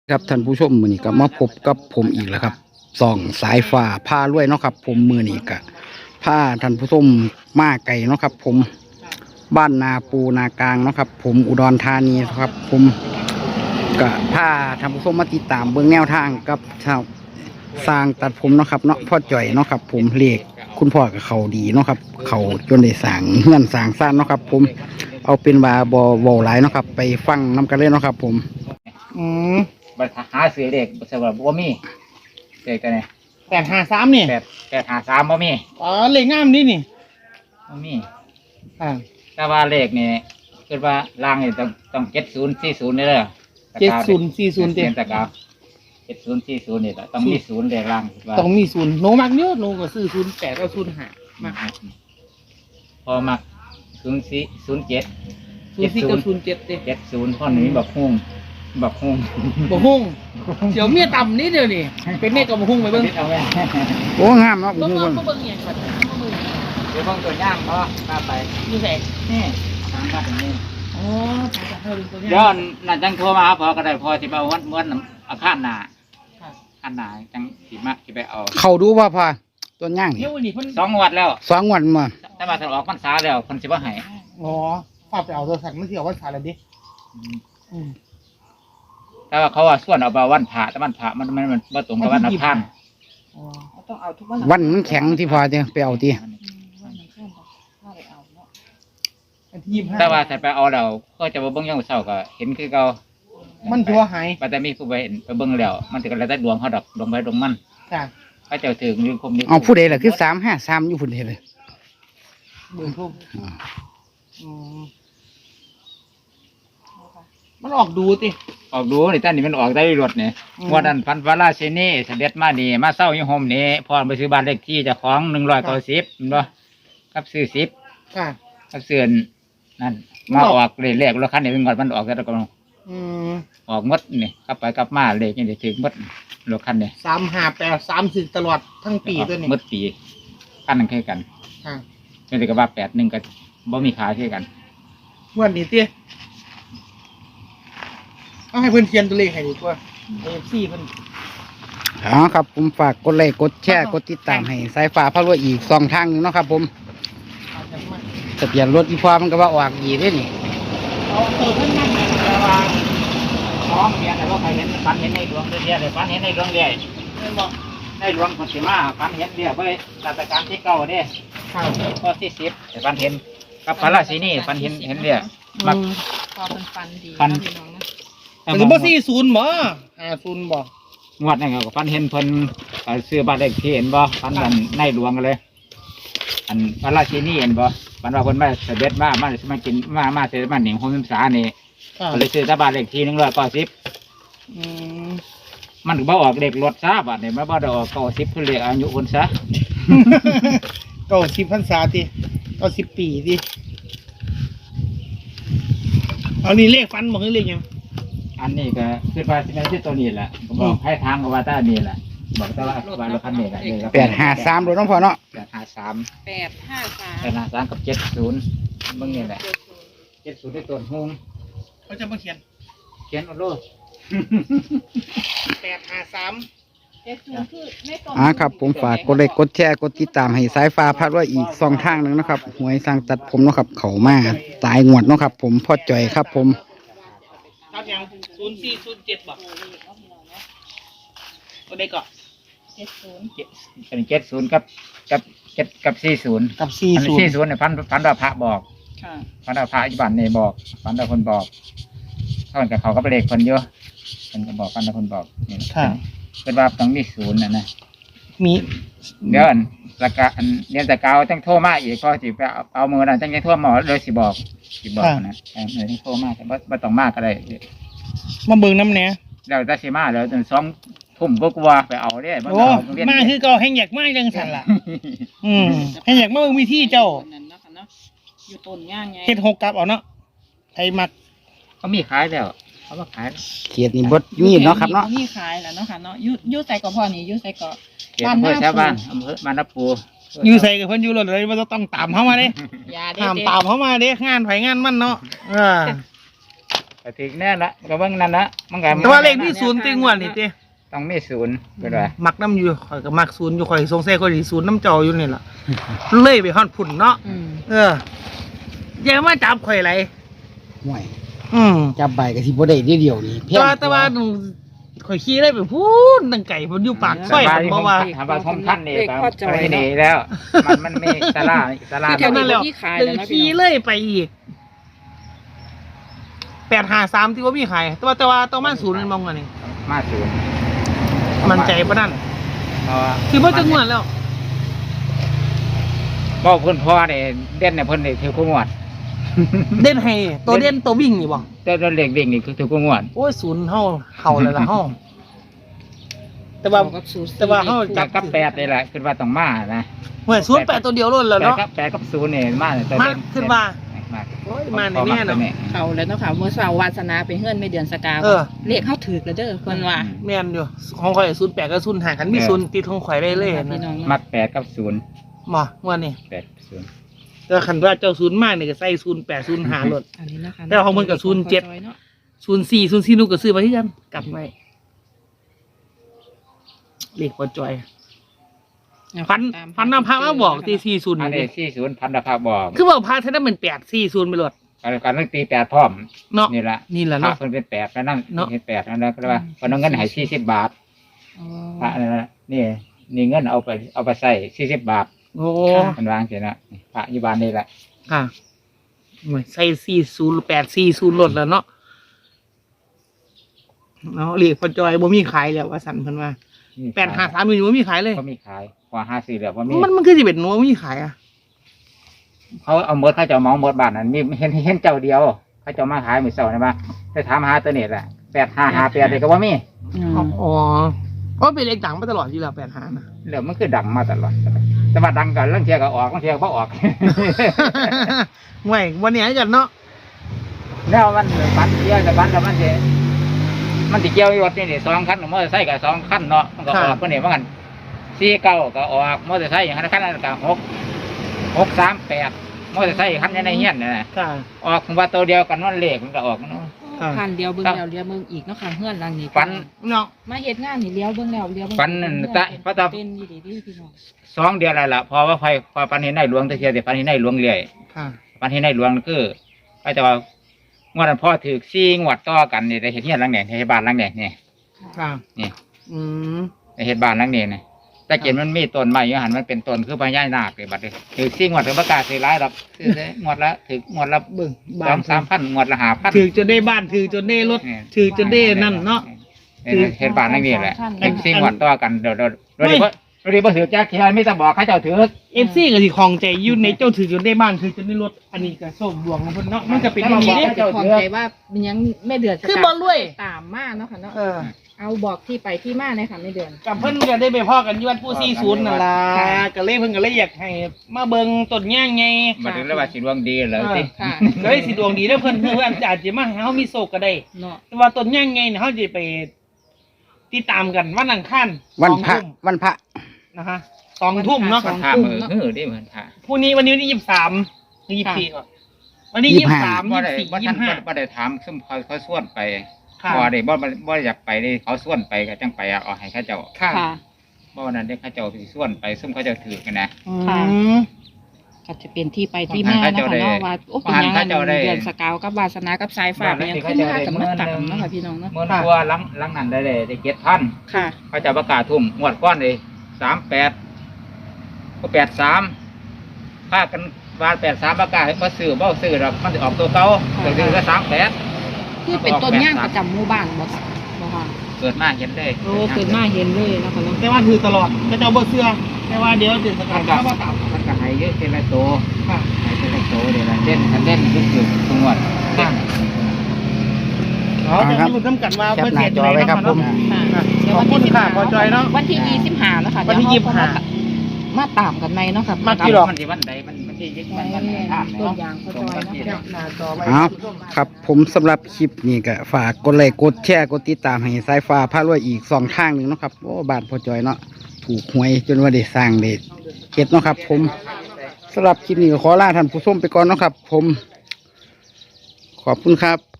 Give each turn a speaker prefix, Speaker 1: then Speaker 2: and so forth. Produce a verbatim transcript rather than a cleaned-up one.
Speaker 1: ครับท่านผู้ชมมือนี้ก็มาพบกับผมอีกแล้วครับส่องสายฟ้าผ้ารวยเนาะครับผมมือนี้ก็ผ้าท่านผู้ชมมาไก่เนาะครับผมบ้านนาปูนากลางเนาะครับผมอุดรธานีครับผมก็ผ้าท่านผู้ชมมาติดตามเบื้องแนวทางกับชาวสร้างตัดผมเนาะครับเนาะพ่อจ่อยเนาะครับผมเลขคุณพ่อกับเขาดีเนาะครับเขาจนได้สร้างเงื่อนสร้างสร้างเนาะครับผมเอาเป็นว่าบอบอหลายเนาะครับไปฟังน้กันเลยเนาะครับผม
Speaker 2: อืม
Speaker 3: บัตรหาซื้อเด็กสำหรับบ่มีเด็กกันเนี่ย
Speaker 2: แปดห้าสามนี่
Speaker 3: แปดแปดหาสามบ่มี
Speaker 2: อ๋อเลขงามนี่นี่
Speaker 3: บ่มี
Speaker 2: อ่า
Speaker 3: แต่ว่าเลขนี่คือว่าล่างนี่ต้องต้องเจ็ดศูนย์สี่ศูนย์นี่เลย
Speaker 2: เจ็ดศูนย์สี่ศูนย์เต็ม
Speaker 3: ตะกาวเจ็ดศูนย์สี่ศูนย์นี่แหละต้องมีศูนย์เลขล่าง
Speaker 2: ต้องมีศูนย์โนมักเยอะโนก็ซื้อศูนย์แปดก็ศูนย์ห้ามา
Speaker 3: พอมักศูนย์สี่ศูนย์เจ็ด
Speaker 2: ศูนย์สี่กับศูนย์เจ็ดเต็ม
Speaker 3: เจ็ดศูนย์ข้อนี้แบบหุ้งแบบหุ้ง
Speaker 2: บ่ฮุ่งเดี๋ยวเมียต่ำนิดเดียวนี่เป็นเมฆกับบ่ฮุ่งไปเบิ่ง
Speaker 1: โอ้งามเนาะบ่
Speaker 2: ฮุ่ง
Speaker 1: เบิ่ง
Speaker 2: เบิ่งอย่างก่อน
Speaker 3: เดี๋ยวเบิ่งตัวย่างเพราะมาไป
Speaker 2: อยู่ไหน
Speaker 3: นี่ทางบ้านนี่
Speaker 2: อ๋อตัวย่าง
Speaker 3: ย้อนนั่นจังโทรมาพอก็ได้พอสิมาวัดม้วนอาคารหน้าอาคารหน้าจังสิมาสิไปเอา
Speaker 1: เขาดูว่าพอต้นย่างนี่
Speaker 3: สองวัดแล้ว
Speaker 1: สองวันมา
Speaker 3: แต่มาถอดออกพรรษาแล้วเพิ่นสิบ่ให้
Speaker 2: อ๋อฝากไปเอาตัวสัตว์ไม่เกี่ยวว่าสารอะไรดิอืม
Speaker 3: แต่ว่าเขาว่าส่วนเอาไปวันพระแต่วันพระมันมันมันบ่ตรงกับวันอังคาร
Speaker 2: อ๋อต้องเอาทุกวัน
Speaker 1: วันมันแข็งที่พอจะไปเอาที
Speaker 3: แต่ว่าถ้าไปเอาแล้วก็จะบ่เบิ่งยังเช้าก็เห็นคือเก่า
Speaker 2: มันถือว่าหาย
Speaker 3: แต่มีผู้ไปเห็นไปเบิ่งแล้วมันสิก็แล้วแต่ดวงเขาดอกดวงไปดวงมัน
Speaker 2: จ้ะ
Speaker 3: เขาเจ้าถึงอยู่คมนี้
Speaker 1: เอาผู้ใดล่ะคือสามห้าสามอยู่พุ่นเด้เลย
Speaker 2: เบิ่งทุ่มอืมมันออกดูติ
Speaker 3: ออกดูนี่ท่านนี่มันออกได้รถนี่ว่าดันพันวาราเชนีเสด็จมานี่มาเศร้าอยู่โฮมนี่พอไปซื้อบ้านเลขที่เจ้าของหนึ่งร้อยเก้าสิบเห็นบ่กับซื้อสิบ
Speaker 2: ค่ะ
Speaker 3: กับซื้อนั่นมาออกเลขเลขรถคันนี้เป็นก่อนมันออกแต่ละกอง
Speaker 2: อืม
Speaker 3: ออกมดนี่กลับไปกลับมาเลขนี่ถึงมดรถคันนี้
Speaker 2: สามห้าแปดสามสิบตลอดทั้งปีตัวนี้
Speaker 3: มดปีคันนึงแค่กัน
Speaker 2: ค่ะ
Speaker 3: นี่เลยก็ว่าแปดหนึ่งก็บ่มีขาแค่กัน
Speaker 2: วันนี้เตี้ยเอาให้เพื่อนเขียนตัวเลขให้ดีกว่าเอฟซีเพื่อน
Speaker 1: อ๋อครับผมฝากกดไลค์กดแชร์กดติดตามให้สายฟ้าพารวยอีกสองทางนึงเนาะครับผมทะเบียนรถอีพอมันก็ว่าออกอีกได้นี่
Speaker 2: เอาเติมเพิ่มมากเลย
Speaker 3: แต่ว่าท้องเมียแต่ว่าใครเห็นฝันเห็นในดวงเดียวเลยฝันเห็นในดวงเดียวในดวงคนสิมาฝันเห็นเดียวไปราชการที่เก้าเนี่ยข้อที่สิบแต่ฝันเห็นกับพระราชินีฝันเห็นเห็นเดียวมัก
Speaker 4: พอเป็นฟันดี
Speaker 3: ฟัน
Speaker 2: หรือว่าสี่ศูนย์บ่ห้าศูนย์บ่
Speaker 3: งวดนี่ก็ฟันเห็นเพิ่นซื้อบ้านเลขที่เห็นบ่ฟันกันในหลวงกันเลยอันพระราชินีเห็นบ่ฟันว่าเพิ่นมาเสด็จมามาสิมากินมามาเสด็จมาหนิงโฮมศึกษานี่ก็เลยซื้อบ้านเลขที่หนึ่งร้อยเก้าสิบมันก็บ่ออกเลขรถซะบัดนี้มันบ่ได้ออกเก้าสิบคือเลขอายุคนซะ
Speaker 2: เก้าสิบพรรษาติเก้าสิบปีติเอานี่เลขฟันบ่คือเลขยัง
Speaker 3: อันนี้ก็คือว่าสิแม่นที่ตัวนี้แหละบอกให้ทางก็ว่าตานี่แหละบอกแต่ว่าว่าเราคันนี้แหละ
Speaker 1: แปดห้าสามรถน้องพ่อเนาะ
Speaker 3: แปดห้าสาม
Speaker 4: แปดห้าสาม
Speaker 3: แปดห้าสามกับเจ็ดศูนย์เบิ่งนี่แหละเจ็ดศูนย์ได้ต้นหง
Speaker 2: เขาจะมาเขียน
Speaker 3: เขียนเอาโลด
Speaker 2: แปดห้าสาม
Speaker 1: อ่าครับผมฝากกดไลค์กดแชร์กดติดตามให้สายฟ้าพารวยอีกสองทางนึงนะครับหวยสร้างตัดผมเนาะครับเขามาตายงวดเนาะครับผมพ่อจ่อยครับผม
Speaker 2: ครับยังศูนย์สี่ศูนย์เจ็ดบ่ก็ได้ก่อน
Speaker 4: เจ็ดศูนย์
Speaker 3: เป็นเจ็ดศูนย์กับกับเจ็ดกับสี่ศูนย์
Speaker 2: กับสี่ศูนย์
Speaker 3: สี่ศูนย์เนี่ยพันพันดาวพระบอกพันดาวพระอิบันเนี่ยบอกพันดาวคนบอกเท่ากับเขาก็เป็นเลขคนเยอะคนก็บอกพันดาวคนบอกนี่เป็นว่าต้องมีศูนย์นะนะ
Speaker 2: มี
Speaker 3: เดี๋ยวอันราคาอันเรียนแต่เก่าต้องโทรมาอีกก็สิไปเอามือนั่นต้องยังโทรมาเลยสิบอกสิบอกนะแต่เมื่อที่โทรมาแต่ว่าไม่ต้องมากก็ได้
Speaker 2: มาเบิ่งน้ำเนี้ย
Speaker 3: เราจะสิมาแล้วจนสองทุ่มก็กลัวไปเอาได้
Speaker 2: โอ้มาคือเก่าแห้งอยากมาเรื่องสันล่ะอืมแห้งอยากมาเบิ่งวิธีเจ้า
Speaker 4: อยู่ต้นย่างไง
Speaker 2: เฮ็ดหกกับเอาเนาะไทยมัก
Speaker 3: เขามีขายแล้วเขามาขาย
Speaker 1: เขียดนี่บดมีเนาะครับเนาะ
Speaker 4: มีขายแล้วเนาะค่ะเนาะยุยุใส่กับพ่อนี่ยุใส่กับ
Speaker 3: บ้านหน้าบ้านอำเภอบ้านนับปู
Speaker 2: ยูใส่กับเพิ่นอยู่รถเลยมันต้องตามเข้ามาเด้ห้ามตามเข้ามาเด้งานไผงานมันเนาะอ่า
Speaker 3: ก็ถึงแน่ละก็เบิ่งนั่นละมันก็
Speaker 2: แต่ว่าเลขที่ศูนย์ติงวดนี่ติ
Speaker 3: ต้องมีศูนย์ก็ได้
Speaker 2: มักน้ำอยู่ข่อยก็มักศูนย์อยู่ข่อยสงสัยข่อยสิศูนย์น้ำเจ้าอยู่นี่ล่ะเลยไปฮอดพุ่นเนาะ
Speaker 4: อืม
Speaker 2: เอออย่ามาจับข่อยไหล
Speaker 1: ห่วย
Speaker 2: อืม
Speaker 1: จับใบกับที่บ่ได้เดียวนี่เพี้
Speaker 2: แต่
Speaker 1: ยน
Speaker 2: ว่าแต่ว่าหนูข่อยขี่ได้ไปพูดตั้งไก่ผมอยู่ปากซอยผมบอกว่า
Speaker 3: ถามว่าท่อมท่านนี่ก็ไม่ดีแล้ว มันมันมีสาราสารา
Speaker 4: คือแถว
Speaker 2: นั่
Speaker 4: นี้
Speaker 2: นแหละ
Speaker 4: ที่ขาย
Speaker 2: ดึ
Speaker 4: แล้ว
Speaker 2: ง
Speaker 4: นะ
Speaker 2: ขี่
Speaker 4: พี่น้อง
Speaker 2: เลยไปอีกแปดหาสามที่ว่ามีขายแต่ว่าแต่ว่าต้องมาศูนย์มันมองกันนี่
Speaker 3: มาศูนย์
Speaker 2: มันใจปะนั่น
Speaker 3: เพราะว่า
Speaker 2: คือพ่อจะงวดแล้ว
Speaker 3: บอกเพิ่นพ่อเนี่ยเด่นเนี่ยเพิ่นเนี่ยถือคู่งวด
Speaker 2: เด่นให้ตัวเด่นตัววิ่งนี่บ่
Speaker 3: แต่ตัวเล็กเด็กนี่คือถือคู่งวด
Speaker 2: โอ้ยศูนย์เฮาเข่าเลยล่ะเฮาแต่ว่า
Speaker 4: กับศูนย์
Speaker 2: แต่ว่าเฮา
Speaker 3: จากกับแปดนี่แหละคือว่าต้องมานะ
Speaker 2: เหมือนศูนย์แปดตัวเดียวล้นแล้ว
Speaker 3: แปด
Speaker 2: เนาะ
Speaker 3: กับแปดกับศูนย์เนี่ยมาเนี่ยตัว
Speaker 2: มา
Speaker 3: เด่น
Speaker 2: ขึ้นมา
Speaker 3: มา
Speaker 2: โอ้ยมาในแน่เนาะ
Speaker 4: เขาแล้วเนาะค่ะเมื่อเช้าวาสนาไปเฮือนไม่เดือนสกาว
Speaker 2: เออ
Speaker 4: เลขเข้าถือแล้วเด้อเพิ่นว่า
Speaker 2: แม่นอยู่ของข่อยศูนย์แปดกับศูนย์ห้าคันมีศูนย์ติดของข่อยได้เลย
Speaker 4: พี่น้
Speaker 2: นะ
Speaker 4: อง
Speaker 3: มั
Speaker 4: เนาะ
Speaker 3: ดแปดกับศูนย์
Speaker 2: หมอว่านี่
Speaker 3: แปดศูนย์
Speaker 2: แต่คันว่าเจ้าศูนย์มากนี่ก็ใส่ศูนย์แปดศูนย์ห้าลด
Speaker 4: อันนี้นะคะ
Speaker 2: แต่ว่าของมันกับศูนย์เจ็ด
Speaker 4: นาะ
Speaker 2: ศูนย์สี่ศูนย์สี่นูก็ซื้อมาที่กันกลับไว้เลขพอจอยพันพันนำพามาบอกตีสี่ศูนย์
Speaker 3: อัน
Speaker 2: นี่
Speaker 3: นี้สี่ศูนย์พันธภาพบอก
Speaker 2: คือบอกพาท่านนั้นเป็นแปดสี่ศูนย์ไปหลด
Speaker 3: การการตั้งตีแปดพร้อม
Speaker 2: เนาะ
Speaker 3: นี่แหละ
Speaker 2: นี่แหละ
Speaker 3: พระ
Speaker 2: เนาะ
Speaker 3: เพิ่นเป็นแปดแล้วนั่ง
Speaker 2: เนาะ
Speaker 3: เป็นแปดแล้วนะก็เลยว่าเพิ่นเอาเงินให้สี่สิบบาท
Speaker 4: อ๋อ
Speaker 3: พระนั่นนะนี่นี่เงินเอาไปเอาไปใส่สี่สิบบาท
Speaker 2: โอ้
Speaker 3: มันวางเสียนะพระอยุบานนี่แหละ
Speaker 2: ค่ะโอ้ยใส่สี่ศูนย์แปดสี่ศูนย์ลดแล้วเนาะเนาะเลขพอจอยบ่มีขายแล้วว่าสันเพิ่นว่าแปดห้าสามอยู่บ่มีขายเลย
Speaker 3: ก็มีขายกว่าห้าสี่เหลือว่ามี
Speaker 2: มันมันคือสิเป็นหนูบ่มีขายอ่ะ
Speaker 3: เขาเอาหมดเขาจะเอาเมาหมดบ้านนั้นมีเห็นเห็นเจ้าเดียว เขาจะเอามาขายมือเสาร์นะบ้าไปถามหาตัวนี้แหละแปดห้าห้าแปดเลยก็ว่ามี
Speaker 4: อืม
Speaker 2: อ๋ออ๋อเป็นเลขดังมาตลอดอยู่แล้วแปดห้านะ
Speaker 3: เหลือมันคือดังมาตลอดแต่ว่าดังกันเรื่องเทียก็ออกเรื่องเทียก็บ่ออก
Speaker 2: ไม่วันนี้กันเนาะ
Speaker 3: แล้วมันบันเทียแต่บันแต่มันจะมันติเกี่ยวอยู่รถนี่นี่สองคันมอเตอร์ไซค์กับสองคันเนาะมันก็ออกคนนี้ว่ากันสี่เก้าก็ออกมอเตอร์ไซค์อย่างนั้นคันนั้นก็หกหกสามแปดมอเตอร์ไซค์คันนี้ในเฮียนนี่นะ
Speaker 2: ค่ะ
Speaker 3: ออกว่าตัวเดียวกันวันเลขมันก็ออกเนาะ
Speaker 2: อ่า
Speaker 4: พันเดียวเบิ่งแล้วเลี้ยวเบิ่งอีกเนาะค่ะเฮือนหลังนี้
Speaker 3: ฝัน
Speaker 2: เนาะ
Speaker 4: มาเฮ็ดงานนี่เลี้ยวเบิ่งแล้วเลี้ยวเบิ่ง
Speaker 3: ฝันนั่นตะพระตา
Speaker 4: เป็นอยู่ดีๆพี่น้อง
Speaker 3: สองเดือนอะไรล่ะพอว่าไฟพอปันเห็นในหลวงตะเคียนแต่ปันเห็นในหลวงเรื่อย
Speaker 2: ค่ะ
Speaker 3: ปันเห็นในหลวงคือก็จะว่างวดนั้นพ่อถือซี่งวดต่อกันนี่ในเหตุเฮียนหลังเนี่ยในเหตุบ้านหลังเนี่ยนี่
Speaker 2: ค่ะ
Speaker 3: นี่
Speaker 2: อืม
Speaker 3: ในเหตุบ้านหลังเนี่ยนะแต่เกิดมันมีต้นไม้อยู่หันมันเป็นต้นคือพญานาคเลยบัดนี้ถือซี่งวดถึงประกาศสีร้ายหรอกคือได้งวดละถืองวดละ
Speaker 2: เบิ่ง
Speaker 3: ส
Speaker 2: บ้า
Speaker 3: อน งสามพันงวดละห้าพัน
Speaker 2: ถือจนได้บ้านถือจนได้รถถือจนได้นั่นเนาะ
Speaker 3: ถือเหตุบ้านหลังนี้แหละถือซี่งวดต่อกันเดี๋ยวเดี๋ยวเดี๋ยวเดี๋ยวเดี๋ยวพอถือแจ๊คเคียนไม่ต้องบอกให้เจ้าถือ
Speaker 2: เอฟซีก็สิของใจอยู่ในเจ้าถือจนได้บ้านถือจนได้รถอันนี้ก็โชคดวงของเพิ่นเนาะมันก็เป็นอย่างนี้
Speaker 4: เดี๋
Speaker 2: เด้
Speaker 4: ยวจะขอใจว่ามันยังไม่เดือด
Speaker 2: คือบ่รวย
Speaker 4: ตามมาเนาะค่ะเนาะ
Speaker 2: เออ
Speaker 4: เอาบอกที่ไปที่มาเลยค่ะไม่เดือน
Speaker 2: กับเพิ่นก็ได้ไปพ่อกันอยู่วัดผู้สี่ศูนย์นั่นล่ะก็เลยเพิ่นก็เลยอยากให้มาเบิ่งต้นย่างไง
Speaker 3: มาถึงแล้วว่าสิดวงดีเลยสิ
Speaker 4: ค่ะ
Speaker 2: ก็เลยสิดวงดีเด้อเพิ่นเพิ่นอาจจะมาให้เฮามีโชคก็ได้
Speaker 4: เนาะ
Speaker 2: แต่ว่าต้นย่างไงเนี่ยเฮาจะไปติดตามกันวันอังคาร
Speaker 1: วันพระ
Speaker 2: สองทุ่ม
Speaker 1: วันพระ
Speaker 2: นะคะสองทุ่มเนาะ
Speaker 3: มันท่ามือฮือดิเหมือนท่า
Speaker 2: พรุ่งนี้วันนี้วันที่ยี่สิบสามหรือยี่สิบสี่ก่อนวันนี้
Speaker 1: ยี่
Speaker 2: ยี่
Speaker 1: สิ
Speaker 2: สิ
Speaker 1: บบ ห้า
Speaker 2: สาม
Speaker 3: บ่
Speaker 2: ยี่
Speaker 3: ได้
Speaker 2: สิบสี่
Speaker 3: บ่
Speaker 2: ยี่
Speaker 3: ทั
Speaker 2: สิ
Speaker 3: น
Speaker 2: บห้า
Speaker 3: บ่ได้ถามซุ่มเขาเขาส่วนไป
Speaker 2: ค่ะ
Speaker 3: บ่ได้บ่บ่บ่อยากไปเลยเขาส่วนไปก็จังไปเอาให้เขาเจ้า
Speaker 2: ค่ะ
Speaker 4: ค่ะ
Speaker 3: บ่วันนั้นได้เขาเจ้าสิส่วนไปซุ่มเขาเจ้าถือกันนะ
Speaker 2: อื
Speaker 4: ค่ะ
Speaker 2: ม
Speaker 4: ก็จะเป็นที่ไปที่มาเนาะค่ะเนาะว่าโอ้เป็นยังไงเดือนสกาวกับวาสนากับสายฟ้าเป็นยังขึ้นมากับมาต่ำเนาะค่ะพี่น้องเนาะ
Speaker 3: เมื่อตัวหลังหลังนั้นได้เลยได้เจ็ดพัน
Speaker 4: ค่ะ
Speaker 3: เขาเจ้าประกาศทุ่มงวดก้อนเลยสามแปดก็แปดสามค่ากันวานแปดสามประกาศบ่ซื้อบ่ซื้อหรอกมันสิออกตัวเก่าก็คือก็สามแปด
Speaker 4: คือเป็นต้นย่างประจำหมู่บ้านบ่ค่ะบ่ค่ะ
Speaker 3: เกิดมาเห็นเลย
Speaker 4: โอ้เกิดมาเห็นเลยเนาะค่ะเนาะ
Speaker 2: แต่ว่าถือตลอดก็จะเอาบ่เสื้อแต่ว่าเดี๋ยวเดือนสกา
Speaker 3: มั
Speaker 2: ร
Speaker 3: นก็
Speaker 2: เข้ามาตาม
Speaker 3: มันก็ให้เยอะเท่าไรโต
Speaker 2: ค่ะ
Speaker 3: ให้เท่าไรโตเดี๋ยวละเล่นคันเล่นก็คือทุกงวด
Speaker 2: ค่ะเราจะรู้น้ำกันว่า
Speaker 1: แคป
Speaker 2: เพื่อ
Speaker 1: หน้า
Speaker 2: เสีย
Speaker 1: จอไว้ครับผม
Speaker 4: ค่ะ
Speaker 2: ขอบคุณค่ะพอจอยเนาะ
Speaker 4: วันที่ยี่สิบห้าแล้วค่ะ
Speaker 2: วันที่ยี่สิบห้า
Speaker 4: มาตามกันในเนาะค่ะ
Speaker 2: มากี่หรอ
Speaker 3: มันที่วันใดมันมันที่ยึด
Speaker 4: วั
Speaker 3: มัน
Speaker 4: น
Speaker 3: มันท่าม
Speaker 4: ต้น
Speaker 3: เนาะ
Speaker 4: ยางพอจอยเนาะ
Speaker 2: แคปหน้าจอไว้
Speaker 1: เอาครับผมสำหรับคลิปนี้ก็ฝากกดไลค์กดแชร์กดติดตามให้สายฟ้าพารวยอีกสองทางหนึ่งเนาะครับโอ้บาทพอจอยเนาะถูกหวยจนว่าได้สร้างเด็ดเฮ็ดเนาะครับ ผมสำหรับคลิปนี้ก็ขอลาท่านผู้ชมไปก่อนเนาะครับ ผม ขอบคุณครับ